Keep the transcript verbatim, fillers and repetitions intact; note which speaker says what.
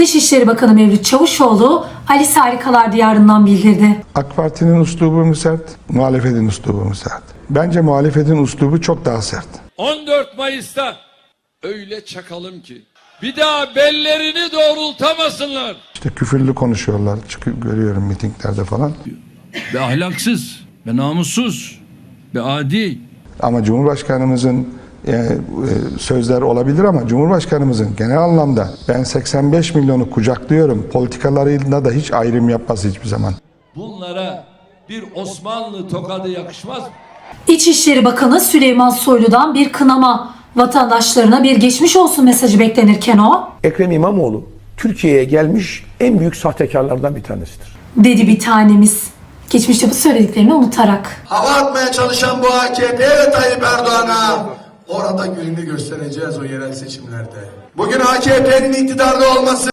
Speaker 1: Dışişleri Bakanı Mevlüt Çavuşoğlu Alice Harikalar Diyarı'ndan bildirdi.
Speaker 2: AK Parti'nin üslubu mu sert, muhalefetin üslubu mu sert? Bence muhalefetin üslubu çok daha sert.
Speaker 3: on dört Mayıs'ta öyle çakalım ki bir daha bellerini doğrultamasınlar.
Speaker 2: İşte küfürlü konuşuyorlar, çıkıyor, görüyorum mitinglerde falan.
Speaker 3: Ve ahlaksız, ve namussuz, ve adi.
Speaker 2: Ama Cumhurbaşkanımızın e, e, sözler olabilir ama Cumhurbaşkanımızın genel anlamda ben seksen beş milyonu kucaklıyorum politikalarıyla da hiç ayrım yapmaz hiçbir zaman.
Speaker 3: Bunlara bir Osmanlı tokadı yakışmaz mı?
Speaker 1: İçişleri Bakanı Süleyman Soylu'dan bir kınama, vatandaşlarına bir geçmiş olsun mesajı beklenirken o,
Speaker 4: Ekrem İmamoğlu Türkiye'ye gelmiş en büyük sahtekarlardan bir tanesidir.
Speaker 1: dedi bir tanemiz. Geçmişte bu söylediklerini unutarak.
Speaker 5: Hava atmaya çalışan bu A K P ve Tayyip Erdoğan'a orada gününü göstereceğiz o yerel seçimlerde. Bugün A K P'nin iktidarda olması